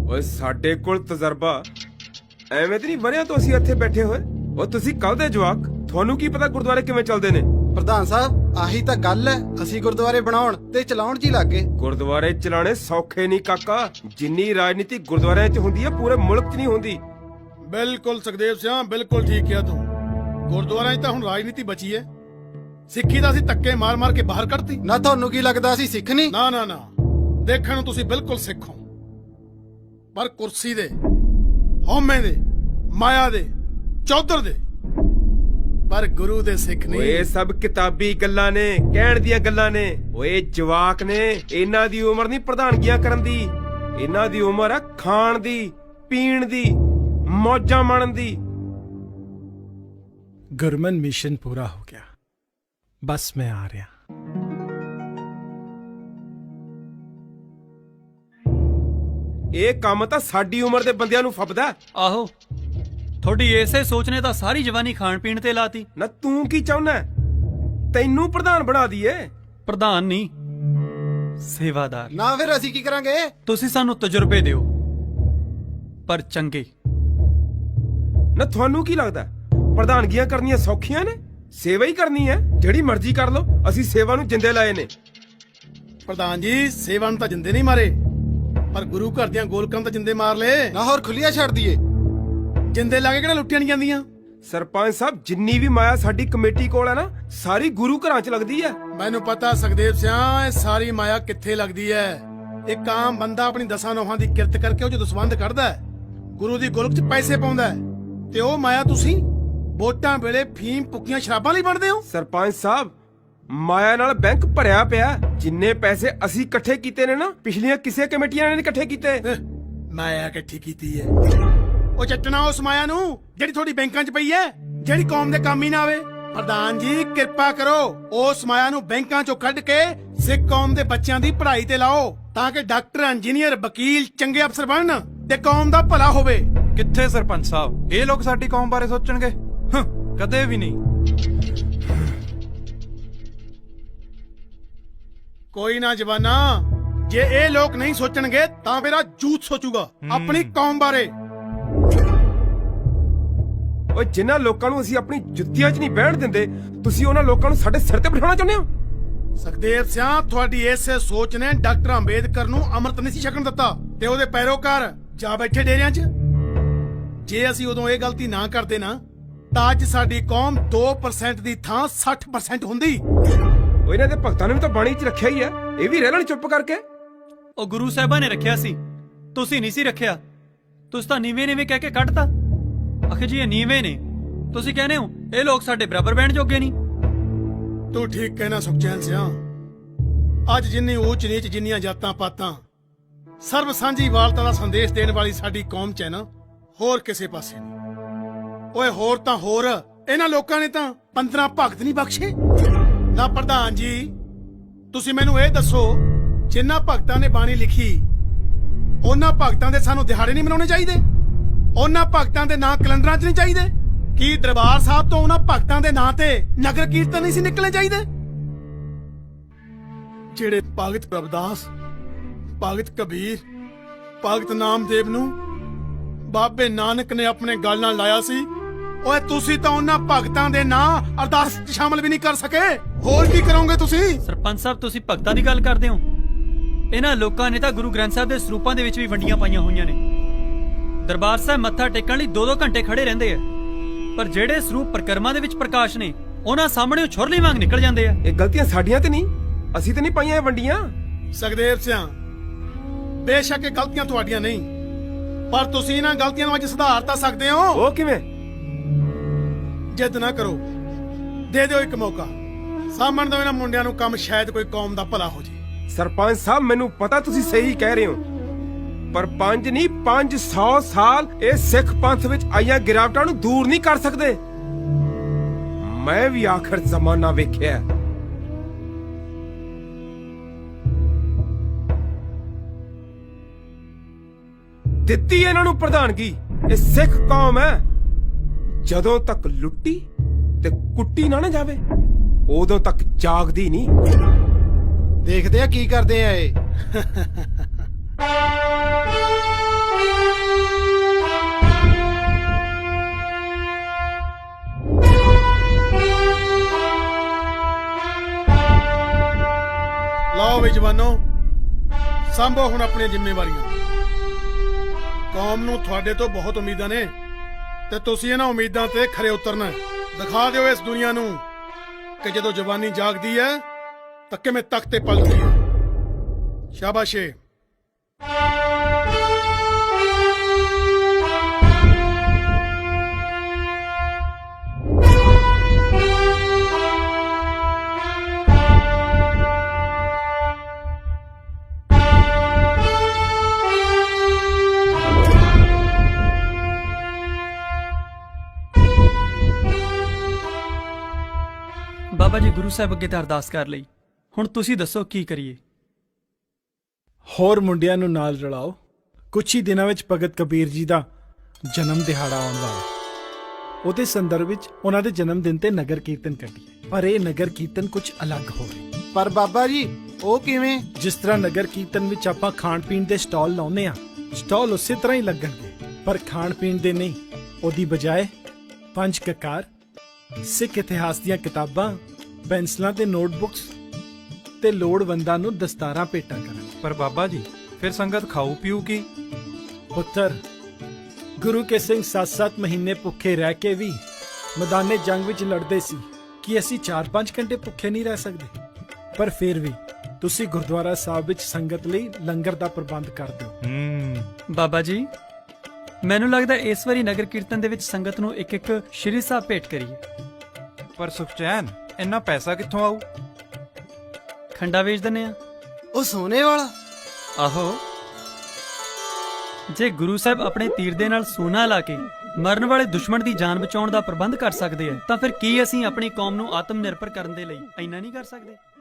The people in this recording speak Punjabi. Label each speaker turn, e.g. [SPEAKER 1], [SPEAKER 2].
[SPEAKER 1] ਓਏ ਸਾਡੇ ਕੋਲ ਤਜਰਬਾ ਐਵੇਂ ਤੇ ਨਹੀਂ ਬਣਿਆ ਤੋਂ ਅਸੀਂ ਇੱਥੇ ਬੈਠੇ ਹੋਏ। ਉਹ ਤੁਸੀਂ ਕੱਲ ਦੇ ਜਵਾਕ, ਤੁਹਾਨੂੰ ਕੀ ਪਤਾ ਗੁਰਦੁਆਰੇ ਕਿਵੇਂ ਚੱਲਦੇ ਨੇ।
[SPEAKER 2] ਪ੍ਰਧਾਨ ਸਾਹਿਬ ਆਹੀ ਤਾਂ ਗੱਲ ਹੈ, ਅਸੀਂ ਗੁਰਦੁਆਰੇ ਬਣਾਉਣ ਤੇ ਚਲਾਉਣ 'ਚ ਹੀ ਲੱਗ ਗਏ।
[SPEAKER 1] ਗੁਰਦੁਆਰੇ ਚਲਾਣੇ ਸੌਖੇ ਨਹੀਂ ਕਾਕਾ। ਜਿੰਨੀ ਰਾਜਨੀਤੀ ਗੁਰਦੁਆਰਿਆਂ 'ਚ ਹੁੰਦੀ ਹੈ ਪੂਰੇ ਮੁਲਕ 'ਚ ਨਹੀਂ ਹੁੰਦੀ।
[SPEAKER 3] ਬਿਲਕੁਲ ਸੁਖਦੇਵ ਸਿੰਘ, ਬਿਲਕੁਲ ਠੀਕ ਕਿਹਾ ਤੂੰ। ਗੁਰਦੁਆਰਿਆਂ 'ਚ ਤਾਂ ਹੁਣ ਰਾਜਨੀਤੀ ਬਚੀ ਹੈ। ਸਿੱਖੀ ਦਾ ਅਸੀਂ ਧੱਕੇ ਮਾਰ ਮਾਰ ਕੇ ਬਾਹਰ ਕੱਢਤੀ।
[SPEAKER 2] ਨਾ ਤੁਹਾਨੂੰ ਕੀ ਲੱਗਦਾ ਅਸੀਂ ਸਿੱਖ ਨਹੀਂ?
[SPEAKER 3] ਨਾ ਨਾ ਨਾ, ਦੇਖਣ ਨੂੰ ਤੁਸੀਂ ਬਿਲਕੁਲ ਸਿੱਖ ਹੋ, ਪਰ ਕੁਰਸੀ ਦੇ, ਹਉਮੈ ਦੇ, ਮਾਇਆ ਦੇ, ਚੌਧਰ ਦੇ, ਪਰ ਗੁਰੂ ਦੇ ਸਿੱਖ ਨਹੀਂ।
[SPEAKER 1] ਓਏ ਸਭ ਕਿਤਾਬੀ ਗੱਲਾਂ ਨੇ, ਕਹਿਣ ਦੀਆਂ ਗੱਲਾਂ ਨੇ। ਓਏ ਜਵਾਕ ਨੇ, ਇਹਨਾਂ ਦੀ ਉਮਰ ਨਹੀਂ ਪ੍ਰਧਾਨਗੀਆਂ ਕਰਨ ਦੀ। ਇਹਨਾਂ ਦੀ ਉਮਰ ਆ ਖਾਣ ਦੀ, ਪੀਣ ਦੀ, ਮੌਜਾਂ ਮਾਣਨ ਦੀ।
[SPEAKER 4] गुरमन मिशन पूरा हो गया, बस मैं आ रहा।
[SPEAKER 1] ਇਹ ਕੰਮ ਤਾਂ ਸਾਡੀ ਉਮਰ ਦੇ ਬੰਦਿਆਂ ਨੂੰ ਫੱਬਦਾ।
[SPEAKER 5] ਆਹੋ, ਤੁਹਾਡੀ ਇਸੇ ਸੋਚ ਨੇ ਤਾਂ ਸਾਰੀ ਜਵਾਨੀ ਖਾਣ ਪੀਣ ਤੇ ਲਾਤੀ।
[SPEAKER 1] ਨਾ ਤੂੰ ਕੀ ਚਾਹੁੰਦਾ? ਤੈਨੂੰ ਪ੍ਰਧਾਨ ਬਣਾ ਦਈਏ?
[SPEAKER 5] ਪ੍ਰਧਾਨ ਨਹੀਂ, ਸੇਵਾਦਾਰ।
[SPEAKER 2] ਨਾ ਫਿਰ ਅਸੀਂ ਕੀ ਕਰਾਂਗੇ?
[SPEAKER 5] ਤੁਸੀਂ ਸਾਨੂੰ ਤਜਰਬੇ ਦਿਓ, ਪਰ ਚੰਗੇ।
[SPEAKER 1] ਨਾ ਤੁਹਾਨੂੰ ਕੀ ਲੱਗਦਾ ਪ੍ਰਧਾਨਗੀਆਂ ਕਰਨੀਆਂ ਸੌਖੀਆਂ ਨੇ? ਸੇਵਾ ਹੀ ਕਰਨੀ ਹੈ, ਜਿਹੜੀ ਮਰਜ਼ੀ ਕਰ ਲਓ। ਅਸੀਂ ਸੇਵਾ ਨੂੰ ਜਿੰਦੇ ਲਾਏ ਨੇ।
[SPEAKER 3] ਪ੍ਰਧਾਨ ਜੀ, ਸੇਵਾ ਨੂੰ ਤਾਂ ਜਿੰਦੇ ਨਹੀਂ ਮਾਰੇ, ਪਰ ਗੁਰੂ ਘਰ ਦੀਆਂ ਗੋਲਕਾਂ ਤਾਂ ਜਿੰਦੇ ਮਾਰ ਲਏ।
[SPEAKER 2] ਨਾ ਹੋਰ ਖੁੱਲੀਆਂ ਛੱਡ ਦਈਏ?
[SPEAKER 3] ਜਿੰਦੇ ਲਾ ਕੇ ਕਿਹੜਾ ਲੁੱਟੀਆਂ ਨਹੀਂ ਜਾਂਦੀਆਂ।
[SPEAKER 1] ਸਰਪੰਚ ਸਾਹਿਬ, ਜਿੰਨੀ ਵੀ ਮਾਇਆ ਸਾਡੀ ਕਮੇਟੀ ਕੋਲ ਹੈ ਨਾ, ਸਾਰੀ ਗੁਰੂ ਘਰਾਂ 'ਚ ਲੱਗਦੀ ਹੈ।
[SPEAKER 3] ਮੈਨੂੰ ਪਤਾ ਸੁਖਦੇਵ ਸਿੰਘ, ਇਹ ਸਾਰੀ ਮਾਇਆ ਕਿੱਥੇ ਲੱਗਦੀ ਹੈ। ਇੱਕ ਆਮ ਬੰਦਾ ਆਪਣੀ ਦਸਾਂ ਨੋਹਾਂ ਦੀ ਕਿਰਤ ਕਰਕੇ ਉਹ ਜਦੋਂ ਸੰਬੰਧ ਕੱਢਦਾ ਹੈ, ਗੁਰੂ ਦੀ ਗੋਲਕ 'ਚ ਪੈਸੇ ਪਾਉਂਦਾ ਹੈ, ਤੇ ਉਹ ਮਾਇਆ ਤੁਸੀਂ ਵੋਟਾਂ ਵੇਲੇ ਫੀਮ ਪੁੱਕੀਆਂ ਸ਼ਰਾਬਾਂ ਲਈ ਵੰਡਦੇ ਹੋ।
[SPEAKER 1] ਸਰਪੰਚ ਸਾਹਿਬ, ਮਾਇਆ ਨਾਲ ਬੈਂਕ ਭਰਿਆ ਪਿਆ। ਜਿੰਨੇ ਪੈਸੇ ਅਸੀਂ ਇਕੱਠੇ ਕੀਤੇ ਨੇ ਨਾ, ਪਿਛਲੀਆਂ ਕਿਸੇ ਕਮੇਟੀਆਂ ਨੇ ਨਹੀਂ ਇਕੱਠੇ ਕੀਤੇ।
[SPEAKER 3] ਮਾਇਆ ਇਕੱਠੀ ਕੀਤੀ ਹੈ। ਉਹ ਚੱਟਣਾ ਉਸ ਮਾਇਆ ਨੂੰ ਜਿਹੜੀ ਤੁਹਾਡੀ ਬੈਂਕਾਂ 'ਚ ਪਈ ਹੈ, ਜਿਹੜੀ ਕੌਮ ਦੇ ਕੰਮ ਹੀ ਨਾ ਆਵੇ। ਪ੍ਰਧਾਨ ਜੀ, ਕਿਰਪਾ ਕਰੋ, ਉਸ ਮਾਇਆ ਨੂੰ ਬੈਂਕਾਂ 'ਚੋਂ ਕੱਢ ਕੇ ਸਿੱਖ ਕੌਮ ਦੇ ਬੱਚਿਆਂ ਦੀ ਪੜ੍ਹਾਈ ਤੇ ਲਾਓ, ਤਾਂ ਕਿ ਡਾਕਟਰ, ਇੰਜੀਨੀਅਰ, ਵਕੀਲ ਚੰਗੇ ਅਫਸਰ ਬਣਨ ਤੇ ਕੌਮ ਦਾ ਭਲਾ ਹੋਵੇ।
[SPEAKER 6] ਕਿੱਥੇ ਸਰਪੰਚ ਸਾਹਿਬ, ਇਹ ਲੋਕ ਸਾਡੀ ਕੌਮ ਬਾਰੇ ਸੋਚਣਗੇ? ਕਦੇ ਵੀ ਨਹੀਂ।
[SPEAKER 3] ਕੋਈ ਨਾ ਜਵਾਨਾ, ਜੇ ਇਹ ਲੋਕ ਨਹੀਂ ਸੋਚਣਗੇ ਤਾਂ ਮੇਰਾ ਜੂਤ ਸੋਚੂਗਾ ਆਪਣੀ ਕੌਮ ਬਾਰੇ।
[SPEAKER 1] ਓਏ ਜਿਨ੍ਹਾਂ ਲੋਕਾਂ ਨੂੰ ਅਸੀਂ ਆਪਣੀ ਜੁੱਤੀਆਂ 'ਚ ਨਹੀਂ ਬਹਿਣ ਦਿੰਦੇ, ਤੁਸੀਂ ਉਹਨਾਂ ਲੋਕਾਂ ਨੂੰ ਸਾਡੇ ਸਿਰ ਤੇ ਬਿਠਾਉਣਾ ਚਾਹੁੰਦੇ ਹੋ?
[SPEAKER 3] ਸੁਖਦੇਵ ਸਿੰਘ, ਤੁਹਾਡੀ ਇਸੇ ਸੋਚ ਨੇ ਡਾਕਟਰ ਅੰਬੇਦਕਰ ਨੂੰ ਅੰਮ੍ਰਿਤ ਨਹੀਂ ਸੀ ਛਕਣ ਦਿੱਤਾ, ਤੇ ਉਹਦੇ ਪੈਰੋਕਾਰ ਜਾ ਬੈਠੇ ਡੇਰਿਆਂ 'ਚ। ਜੇ ਅਸੀਂ ਉਦੋਂ ਇਹ ਗਲਤੀ ਨਾ ਕਰਦੇ ਨਾ, ਤਾਂ ਅੱਜ ਸਾਡੀ ਕੌਮ 2% ਦੀ ਥਾਂ 60% ਹੁੰਦੀ।
[SPEAKER 1] ਓਏ ਇਹਨਾਂ ਦੇ ਭਗਤਾਂ ਨੇ ਵੀ ਤਾਂ ਬਾਣੀ 'ਚ ਰੱਖਿਆ ਹੀ ਹੈ, ਇਹ ਵੀ ਰਹਿ ਲੈਣ ਚੁੱਪ ਕਰਕੇ।
[SPEAKER 5] ਉਹ ਗੁਰੂ ਸਾਹਿਬਾਂ ਨੇ ਰੱਖਿਆ ਸੀ, ਤੁਸੀਂ ਨਹੀਂ ਸੀ ਰੱਖਿਆ। ਤੁਸੀਂ ਤਾਂ ਨੀਵੇਂ ਨੀਵੇਂ ਕਹਿ ਕੇ ਕੱਢਤਾ। ਆਖੇ ਜੀ ਇਹ ਨੀਵੇਂ ਨੇ, ਤੁਸੀਂ ਕਹਿੰਦੇ ਹੋ ਇਹ ਲੋਕ ਸਾਡੇ ਬਰਾਬਰ ਬਹਿਣ ਜੋਗੇ ਨਹੀਂ।
[SPEAKER 3] ਤੂੰ ਠੀਕ ਕਹਿਣਾ ਸੁਖਚੈਨ ਸਿਆ। ਅੱਜ ਜਿੰਨੀ ਊਚ ਨੀਚ, ਜਿੰਨੀਆਂ ਜਾਤਾਂ ਪਾਤਾਂ, ਸਰਬ ਸਾਂਝੀ ਵਾਲਤਾ ਦਾ ਸੰਦੇਸ਼ ਦੇਣ ਵਾਲੀ ਸਾਡੀ ਕੌਮ 'ਚ ਹੈ ਨਾ, ਹੋਰ ਕਿਸੇ ਪਾਸੇ ਨਹੀਂ। ਓਏ ਹੋਰ ਤਾਂ ਹੋਰ, ਇਹਨਾਂ ਲੋਕਾਂ ਨੇ ਤਾਂ 15 ਭਗਤ ਨਹੀਂ ਬਖਸ਼ੇ। ਨਾ ਪ੍ਰਧਾਨ ਜੀ, ਤੁਸੀਂ ਮੈਨੂੰ ਇਹ ਦੱਸੋ, ਜਿਨ੍ਹਾਂ ਭਗਤਾਂ ਨੇ ਬਾਣੀ ਲਿਖੀ, ਉਹਨਾਂ ਭਗਤਾਂ ਦੇ ਸਾਨੂੰ ਦਿਹਾੜੇ ਨਹੀਂ ਮਨਾਉਣੇ ਚਾਹੀਦੇ? ਉਹਨਾਂ ਭਗਤਾਂ ਦੇ ਨਾਂ ਕੈਲੰਡਰਾਂ 'ਚ ਨਹੀਂ ਚਾਹੀਦੇ? ਕੀ ਦਰਬਾਰ ਸਾਹਿਬ ਤੋਂ ਉਹਨਾਂ ਭਗਤਾਂ ਦੇ ਨਾਂ ਤੇ ਨਗਰ ਕੀਰਤਨ ਨਹੀਂ ਸੀ ਨਿਕਲਣੇ ਚਾਹੀਦੇ? ਜਿਹੜੇ ਭਗਤ ਰਵਿਦਾਸ, ਭਗਤ ਕਬੀਰ, ਭਗਤ ਨਾਮਦੇਵ ਨੂੰ ਬਾਬੇ ਨਾਨਕ ਨੇ ਆਪਣੇ ਗਲ ਨਾਲ ਲਾਇਆ ਸੀ, ਓਏ ਤੁਸੀਂ ਤਾਂ ਉਹਨਾਂ ਭਗਤਾਂ ਦੇ ਨਾਂ ਅਰਦਾਸ 'ਚ ਸ਼ਾਮਲ ਵੀ ਨਹੀਂ ਕਰ ਸਕੇ। ਹੋਰ ਕੀ ਕਰੋਗੇ ਤੁਸੀਂ?
[SPEAKER 5] ਸਰਪੰਚ ਸਾਹਿਬ, ਤੁਸੀਂ ਭਗਤਾਂ ਦੀ ਗੱਲ ਕਰਦੇ ਹੋ? ਇਹਨਾਂ ਲੋਕਾਂ ਨੇ ਤਾਂ ਗੁਰੂ ਗ੍ਰੰਥ ਸਾਹਿਬ ਦੇ ਸਰੂਪਾਂ ਦੇ ਵਿੱਚ ਵੀ ਵੰਡੀਆਂ ਪਾਈਆਂ ਹੋਈਆਂ ਨੇ। ਦਰਬਾਰ ਸਾਹਿਬ ਮੱਥਾ ਟੇਕਣ ਲਈ 2-2 ਘੰਟੇ ਖੜੇ ਰਹਿੰਦੇ ਆ, ਪਰ ਜਿਹੜੇ ਸਰੂਪ ਪ੍ਰਕਰਮਾਂ ਦੇ ਵਿੱਚ ਪ੍ਰਕਾਸ਼ ਨੇ, ਉਹਨਾਂ ਸਾਹਮਣੇ ਛੁਰਲੀ ਵਾਂਗ ਨਿਕਲ ਜਾਂਦੇ ਆ।
[SPEAKER 1] ਇਹ ਗਲਤੀਆਂ ਸਾਡੀਆਂ ਤੇ ਨਹੀਂ, ਅਸੀਂ ਤੇ ਨਹੀਂ ਪਾਈਆਂ ਇਹ ਵੰਡੀਆਂ।
[SPEAKER 3] ਸੁਖਦੇਵ ਸਿੰਘ, ਬੇਸ਼ੱਕ ਇਹ ਗਲਤੀਆਂ ਤੁਹਾਡੀਆਂ ਨਹੀਂ, ਪਰ ਤੁਸੀਂ ਇਹਨਾਂ ਗਲਤੀਆਂ ਨੂੰ ਅੱਜ ਸੁਧਾਰ ਤਾਂ ਸਕਦੇ ਹੋ।
[SPEAKER 1] ਉਹ ਕਿਵੇਂ?
[SPEAKER 3] ਜਿੱਦ ਨਾ ਕਰੋ, ਦੇ ਦਿਓ ਇੱਕ ਮੌਕਾ, ਸਾਂਭਣ ਦਿਓ ਇਹਨਾਂ ਮੁੰਡਿਆਂ ਨੂੰ ਕੰਮ, ਸ਼ਾਇਦ ਕੋਈ ਕੌਮ ਦਾ ਭਲਾ ਹੋ ਜੇ।
[SPEAKER 1] ਸਰਪੰਚ ਸਾਹਿਬ, ਮੈਨੂੰ ਪਤਾ ਤੁਸੀਂ ਸਹੀ ਕਹਿ ਰਹੇ ਹੋ, ਪਰ 5 ਨਹੀਂ 500 ਸਾਲ ਇਹ ਸਿੱਖ ਪੰਥ ਵਿੱਚ ਆਈਆਂ ਗਿਰਾਵਟਾਂ ਨੂੰ ਦੂਰ ਨਹੀਂ ਕਰ ਸਕਦੇ। ਮੈਂ ਵੀ ਆਖਰ ਜ਼ਮਾਨਾ ਵੇਖਿਆ। ਦਿੱਤੀ ਇਹਨਾਂ ਨੂੰ ਪ੍ਰਧਾਨਗੀ, ਇਹ ਸਿੱਖ ਕੌਮ ਹੈ। ਜਦੋਂ ਤੱਕ ਲੁੱਟੀ ਤੇ ਕੁੱਟੀ ਨਾ ਜਾਵੇ, ਉਦੋਂ ਤੱਕ ਜਾਗਦੀ ਨਹੀਂ।
[SPEAKER 2] ਦੇਖਦੇ ਆ ਕੀ ਕਰਦੇ ਆ ਇਹ।
[SPEAKER 3] ਨੌਜਵਾਨੋ, ਸੰਭੋ ਹੁਣ ਆਪਣੀਆਂ ਜ਼ਿੰਮੇਵਾਰੀਆਂ। ਕੌਮ ਨੂੰ ਤੁਹਾਡੇ ਤੋਂ ਬਹੁਤ ਉਮੀਦਾਂ ਨੇ ਤੇ ਤੁਸੀਂ ਇਹਨਾਂ ਉਮੀਦਾਂ ਤੇ ਖਰੇ ਉਤਰਨਾ ਹੈ। ਦਿਖਾ ਦਿਓ ਇਸ ਦੁਨੀਆ ਨੂੰ ਕਿ ਜਦੋਂ ਜਵਾਨੀ ਜਾਗਦੀ ਹੈ ਤਾਂ ਕਿਵੇਂ ਤਖਤ ਤੇ ਪਲਟਦੀ ਹੈ। ਸ਼ਾਬਾਸ਼ੇ।
[SPEAKER 5] ਬਾਬਾ ਜੀ ਗੁਰੂ ਸਾਹਿਬ ਅੱਗੇ ਤਾਂ ਅਰਦਾਸ ਕਰ ਲਈ, ਹੁਣ ਤੁਸੀਂ ਦੱਸੋ ਕੀ ਕਰੀਏ।
[SPEAKER 4] ਹੋਰ ਮੁੰਡਿਆਂ ਨੂੰ ਨਾਲ ਰਲਾਓ। ਕੁਝ ਹੀ ਦਿਨਾਂ ਵਿੱਚ ਭਗਤ ਕਬੀਰ ਜੀ ਦਾ ਜਨਮ ਦਿਹਾੜਾ ਆਉਣ ਵਾਲਾ ਹੈ। ਉਹਦੇ ਸੰਦਰਭ ਵਿੱਚ ਉਹਨਾਂ ਦੇ ਜਨਮ ਦਿਨ ਤੇ ਨਗਰ ਕੀਰਤਨ ਕੱਢੀਏ, ਪਰ ਇਹ ਨਗਰ ਕੀਰਤਨ ਕੁਝ ਅਲੱਗ ਹੋਵੇ।
[SPEAKER 2] ਪਰ ਬਾਬਾ ਜੀ ਉਹ ਕਿਵੇਂ?
[SPEAKER 4] ਜਿਸ ਤਰ੍ਹਾਂ ਨਗਰ ਕੀਰਤਨ ਵਿੱਚ ਆਪਾਂ ਖਾਣ ਪੀਣ ਦੇ ਸਟਾਲ ਲਾਉਂਦੇ ਆ, ਸਟਾਲ ਉਸੇ ਤਰ੍ਹਾਂ ਹੀ ਲੱਗਣਗੇ, ਪਰ ਖਾਣ ਪੀਣ ਦੇ ਨਹੀਂ। ਉਹਦੀ ਬਜਾਏ 5 ਕਕਾਰ, ਸਿੱਖ ਇਤਿਹਾਸ ਦੀਆਂ ਕਿਤਾਬਾਂ, ਪੈਨਸਲਾਂ ਤੇ ਨੋਟਬੁੱਕਸ ਤੇ ਲੋੜਵੰਦਾਂ ਨੂੰ ਦਸਤਾਰਾਂ ਭੇਟਾਂ ਕਰਨ।
[SPEAKER 6] ਪਰ ਬਾਬਾ ਜੀ ਫਿਰ ਸੰਗਤ ਖਾਊ ਪੀਊ ਕੀ?
[SPEAKER 4] ਪੁੱਤਰ, ਗੁਰੂ ਕੇ ਸਿੰਘ 7-7 ਮਹੀਨੇ ਭੁੱਖੇ ਰਹਿ ਕੇ ਵੀ ਮੈਦਾਨੇ ਜੰਗ ਵਿੱਚ ਲੜਦੇ ਸੀ ਕਿ ਅਸੀਂ 4-5 ਘੰਟੇ ਭੁੱਖੇ ਨਹੀਂ ਰਹਿ ਸਕਦੇ। ਪਰ ਫਿਰ ਵੀ ਤੁਸੀਂ ਗੁਰਦੁਆਰਾ ਸਾਹਿਬ ਵਿੱਚ ਸੰਗਤ ਲਈ ਲੰਗਰ ਦਾ ਪ੍ਰਬੰਧ ਕਰ ਦਿਓ।
[SPEAKER 5] ਬਾਬਾ ਜੀ ਮੈਨੂੰ ਲੱਗਦਾ ਇਸ ਵਾਰੀ ਨਗਰ ਕੀਰਤਨ ਦੇ ਵਿੱਚ ਸੰਗਤ ਨੂੰ ਇੱਕ ਸ਼੍ਰੀ ਸਾਹਿਬ ਭੇਟ ਕਰੀਏ।
[SPEAKER 6] ਪਰ ਸੁਖਚੈਨ, ਇੰਨਾ ਪੈਸਾ ਕਿੱਥੋਂ ਆਊ?
[SPEAKER 5] ਖੰਡਾ ਵੇਚ ਦਿੰਨੇ ਆ।
[SPEAKER 2] ਉਹ ਸੋਨੇ ਵਾਲਾ?
[SPEAKER 5] ਆਹੋ, ਜੇ ਗੁਰੂ ਸਾਹਿਬ ਆਪਣੇ ਤੀਰ ਦੇ ਨਾਲ ਸੋਨਾ ਲਾ ਕੇ ਮਰਨ ਵਾਲੇ ਦੁਸ਼ਮਣ ਦੀ ਜਾਨ ਬਚਾਉਣ ਦਾ ਪ੍ਰਬੰਧ ਕਰ ਸਕਦੇ ਆ, ਤਾਂ ਫਿਰ ਕੀ ਅਸੀਂ ਆਪਣੀ ਕੌਮ ਨੂੰ ਆਤਮ ਨਿਰਭਰ ਕਰਨ ਦੇ ਲਈ ਇੰਨਾ ਨਹੀਂ ਕਰ ਸਕਦੇ?